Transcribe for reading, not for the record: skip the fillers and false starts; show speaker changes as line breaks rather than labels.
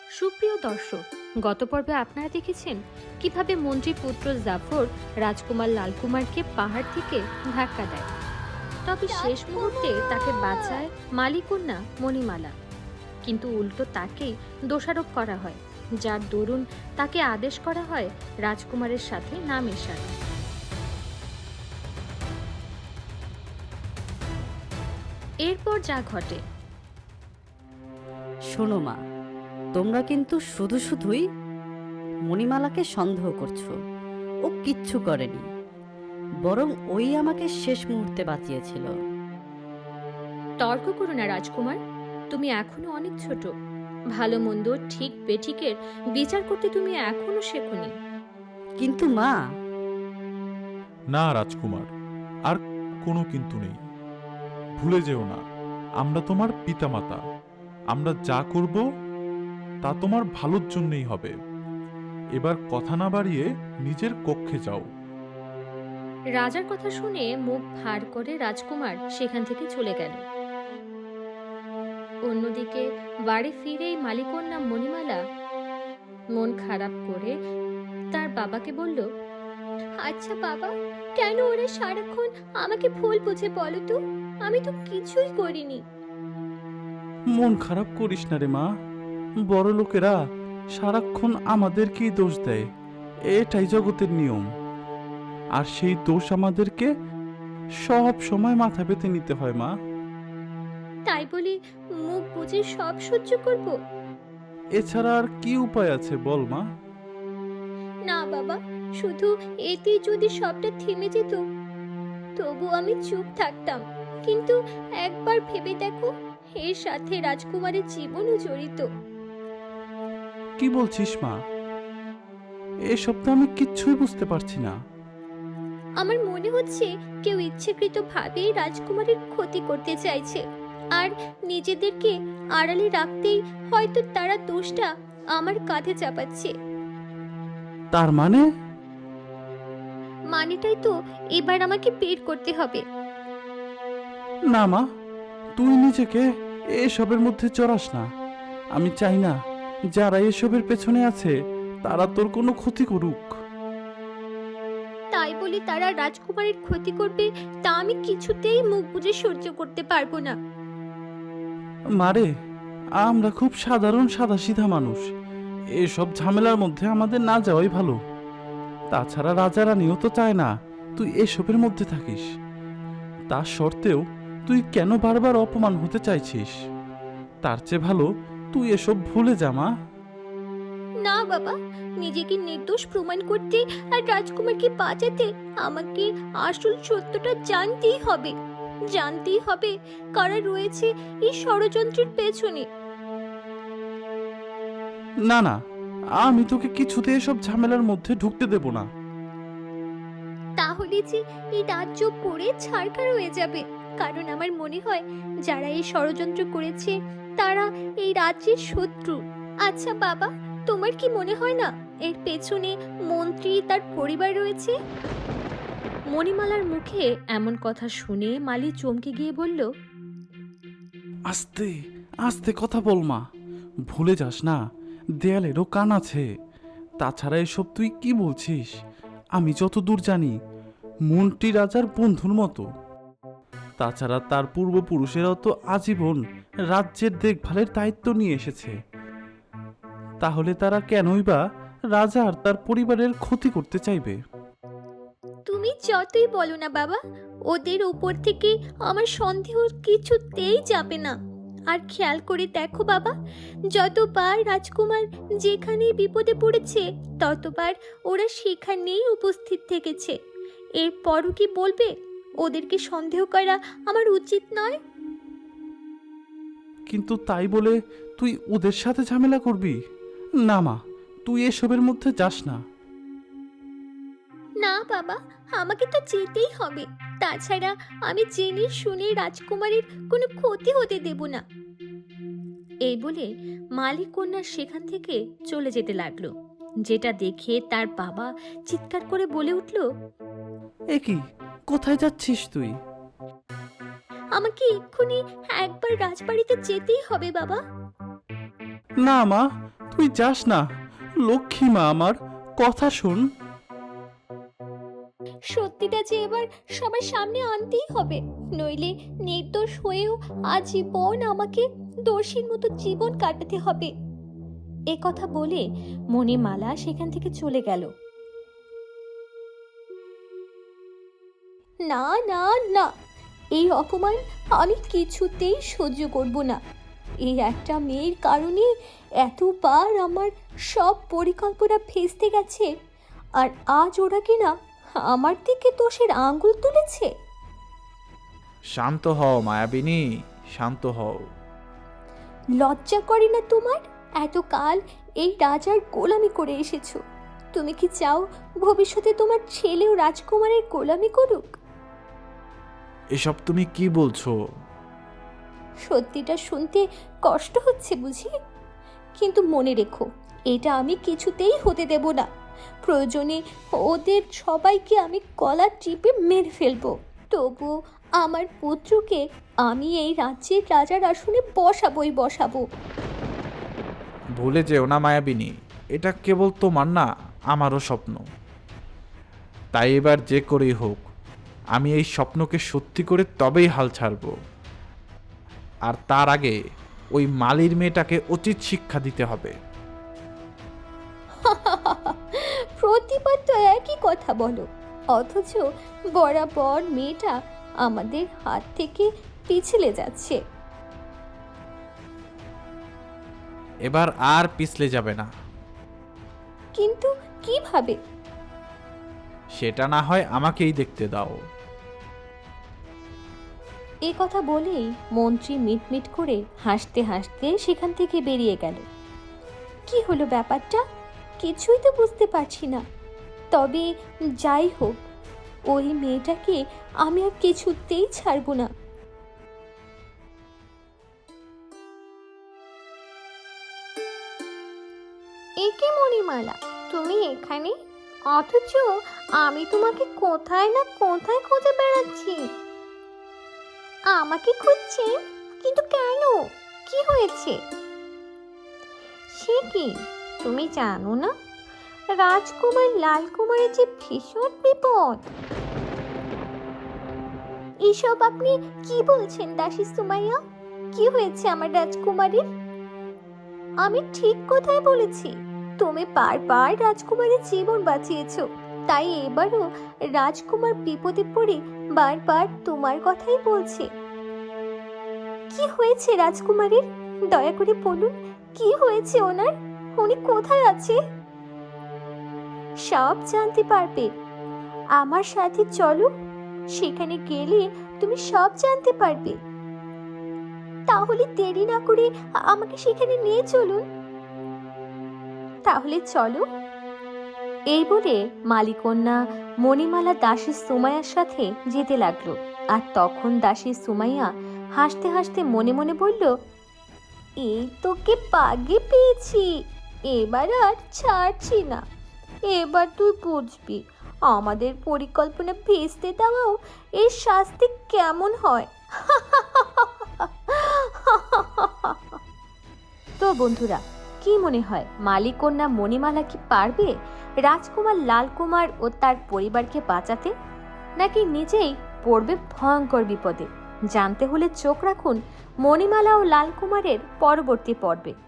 সুপ্রিয় দর্শক, গত পর্বে আপনারা দেখেছেন কিভাবে মন্ত্রী পুত্র জাফর রাজকুমার লালকুমারকে পাহাড় থেকে ধাক্কা দেয়। তবে শেষ মুহূর্তে তাকে বাঁচায় মালিকন্যা মণিমালা, কিন্তু উল্টো তাকেই দোষারোপ করা হয়, যার দরুন তাকে আদেশ করা হয় রাজকুমারের সাথে না মেশার। এরপর যা ঘটে।
শোনো মা, তোমরা কিন্তু শুধুই মণিমালাকে সন্দেহ করছো। ও কিচ্ছু করেনি, বরং ওই আমাকে শেষ মুহূর্তে বাঁচিয়েছিল।
তর্ক করো না রাজকুমার, তুমি এখনো অনেক ছোট। ভালো মন্দ ঠিক বেঠিকের বিচার করতে তুমি এখনো শেখোনি।
কিন্তু মা,
না রাজকুমার, আর কোনো কিন্তু নেই। ভুলে যেও না, আমরা তোমার পিতামাতা। আমরা যা করব তা তোমার ভালোর জন্যই হবে। এবার কথা না বাড়িয়ে নিজের কক্ষে যাও।
রাজার কথা শুনে মুখ ভার করে রাজকুমার সেখান থেকে চলে গেল। অন্যদিকে বাড়ি ফিরেই মালিকন্যা মণিমালা মন খারাপ করে তার বাবাকে বলল, আচ্ছা বাবা, কেন ওরা সারাক্ষণ আমাকে ভুল বুঝে বলো তো? আমি তো কিছুই করিনি।
মন খারাপ করিস না রে মা, বড় লোকেরা সারাক্ষণ আমাদেরকেই দোষ দেয়, এটাই জগতের নিয়ম। আর সেই দোষ আমাদেরকে সব সময় মাথা পেতে নিতে হয় মা।
তাই বলি মুখ বুঝে সব সহ্য করব?
এছাড়া আর কি উপায় আছে বল মা?
না বাবা, শুধু এতেই যদি সবটা থেমে যেত তবু আমি চুপ থাকতাম। কিন্তু একবার ভেবে দেখো, এর সাথে রাজকুমারের জীবনও জড়িত।
কি বলছিস মা? এসব তো আমি কিচ্ছুই বুঝতে পারছি না।
আমার মনে হচ্ছে কেউ ইচ্ছাকৃতভাবে রাজকুমারের ক্ষতি করতে চাইছে, আর নিজেদেরকে আড়ালে রাখতেই হয়তো তারা দোষটা আমার কাঁধে চাপাচ্ছে।
তার মানে?
মানেটাই তো এবার আমাকে বের করতে হবে।
না মা, তুই নিজেকে এসবের মধ্যে জড়াস না। আমি চাই না যারা এসবের পেছনে আছে তারা তোর কোনো ক্ষতি করুক।
তাই বলে তারা রাজকুমারের ক্ষতি করবে তা আমি কিছুতেই মুখ বুজে সহ্য করতে পারবো না।
মারে, আমরা খুব সাধারণ সাদাসিধা মানুষ, এসব ঝামেলার মধ্যে আমাদের না যাওয়াই ভালো। তাছাড়া রাজা রানীও তো চায় না তুই এসবের মধ্যে থাকিস। তা সত্ত্বেও তুই কেন বারবার অপমান হতে চাইছিস? তার চেয়ে ভালো তুই এসব ভুলে যা মা।
না বাবা, নিজেকে নির্দোষ প্রমাণ করতে আর রাজকুমারকে বাঁচাতে আমাকে আসল সত্যটা জানতেই হবে। জানতেই হবে কারা রয়েছে এই ষড়যন্ত্রের পেছনে।
না না, আমি তোকে কিছুতে এসব ঝামেলার মধ্যে ঢুকতে দেব না।
তাহলে যে এই রাজ্য পড়ে ছারখার হয়ে যাবে, কারণ আমার মনে হয় যারা এই ষড়যন্ত্র করেছে তারা এই রাজ্যের শত্রু। আচ্ছা বাবা, তোমার কি মনে হয় না এর পেছনে মন্ত্রী তার পরিবার রয়েছে? মণিমালার মুখে এমন কথা শুনে মালি চমকে গিয়ে বলল,
আস্তে আস্তে কথা বল মা, ভুলে যাস না দেয়ালেরও কান আছে। তাছাড়া এসব তুই কি বলছিস? আমি যতদূর জানি মন্ত্রী রাজার বন্ধুর মতো। তাছাড়া তার পূর্বপুরুষেরাও তো আজীবন রাজ্যের দেখভালের দায়িত্ব নিয়ে এসেছে। তাহলে তারা কেনই বা রাজা আর তার পরিবারের ক্ষতি করতে চাইবে?
তুমি যতই বলো না বাবা, ওদের উপর থেকে আমার সন্দেহ কিছুতেই যাবে না। আর খেয়াল করে দেখো বাবা, যতবার রাজকুমার যেখানে বিপদে পড়েছে ততবার ওরা সেখানেই উপস্থিত থেকেছে। এরপরও কি বলবে ওদেরকে সন্দেহ করা আমার উচিত নয়?
কিন্তু তাই বলে তুই ওদের সাথে ঝামেলা করবি? না মা, তুই এসবের মধ্যে যাস না।
না বাবা, আমাকে তো যেতেই হবে। তাছাড়া আমি জেনে শুনে রাজকুমারের কোনো ক্ষতি হতে দেব না। এই বলে মালিক কন্যা সেখান থেকে চলে যেতে লাগলো, যেটা দেখে তার বাবা চিৎকার করে বলে উঠল,
এ কি, কোথায় যাচ্ছিস তুই?
আমাকে এক্ষুনি একবার রাজবাড়িতে যেতেই হবে বাবা।
না মা, তুই যাস না, লক্ষ্মী মা আমার, কথা শোন।
সত্যিটা যে এবার সবার সামনে আনতেই হবে, নইলে নির্দোষ হয়েও আজীবন আমাকে দোষীর মতো জীবন কাটাতে হবে। এ কথা বলে মণিমালা সেখান থেকে চলে গেল। না না না, এই অপমান আমি কিছুতেই সহ্য করব না। এই একটা মেয়ের কারণে এতবার আমার সব পরিকল্পনা ভেস্তে গেছে, আর আজ ওরা কিনা আমার দিকে দোষের আঙ্গুল তুলেছে।
শান্ত হও মায়াবিনী, শান্ত হও।
লজ্জা করে না তোমার? এতকাল এই রাজার গোলামি করে এসেছো, তুমি কি চাও ভবিষ্যতে তোমার ছেলেও রাজকুমারের গোলামি করুক?
এসব তুমি কি বলছো?
সত্যিটা শুনতে কষ্ট হচ্ছে বুঝি, কিন্তু মনে রেখো, এটা আমি কিছুতেই হতে দেব না। প্রয়োজনে ওদের সবাইকে আমি গলা টিপে মেরে ফেলবো, তবু আমার পুত্রকে আমি এই রাজ্যের রাজার আসনে বসাবো।
ভুলে যেও না মায়াবিনী, এটা কেবল তোমার না, আমারও স্বপ্ন। তাই এবার যে করেই হোক, আমি এই স্বপ্নকে সত্যি করে তবেই হাল ছাড়ব। আর তার আগে ওই মালির মেয়েটাকে উচিত শিক্ষা দিতে হবে।
প্রতিবার তো একই কথা বলো, অথচ বরাবর মেয়েটা আমাদের হাত থেকে পিছলে যাচ্ছে।
এবার আর পিছলে যাবে না।
কিন্তু কিভাবে?
সেটা না হয় আমাকেই দেখতে দাও।
এ কথা বলেই মন্ত্রী মিটমিট করে হাসতে হাসতে সেখান থেকে বেরিয়ে গেল। কি হলো ব্যাপারটা কিছুই তো বুঝতে পারছি না। তবে যাই হোক, ওই মেয়েটাকে আমি আর কিছুতেই ছাড়বো না। একে মণিমালা, তুমি এখানে? অথচ আমি তোমাকে কোথায় না কোথায় খুঁজে বেড়াচ্ছি। আমাকে খুঁজছেন? কিন্তু কেন? কি হয়েছে? সে কি, তুমি জানো না রাজকুমার লালকুমারের যে ভীষণ বিপদ? এসব আপনি কি বলছেন দাসী সুমাইয়া? কি হয়েছে আমার রাজকুমারীর? আমি ঠিক কথাই বলেছি, তুমি বারবার রাজকুমারের জীবন বাঁচিয়েছো, তাই এবারও রাজকুমার বিপদে পড়ে বারবার তোমার কথাই বলছে। কি হয়েছে রাজকুমারীর? দয়া করে বলুন, কি হয়েছে ওনার? উনি কোথায় আছে? সব জানতে পারবে, আমার সাথে চলো, সেখানে গেলে তুমি সব জানতে পারবে। তাহলে দেরি না করে আমাকে সেখানে নিয়ে চলুন। তাহলে চলো। এই বলে মালিকন্যা মণিমালা দাসী সুমাইয়ার সাথে যেতে লাগলো। আর তখন দাসী সুমাইয়া হাসতে হাসতে মনে মনে বলল, এই তোকে পাগে পেয়েছি, এবার আর ছাড়ছি না। এবার তুই বুঝবি আমাদের পরিকল্পনা ভেস্তে দেওয়াও এর শাস্তি কেমন হয়। তো বন্ধুরা, কি মনে হয় মালিকন্যা মণিমালা কি পারবে রাজকুমার লালকুমার ও তার পরিবারকে বাঁচাতে, নাকি নিজেই পড়বে ভয়ঙ্কর বিপদে? জানতে হলে চোখ রাখুন মণিমালা ও লালকুমারের পরবর্তী পর্বে।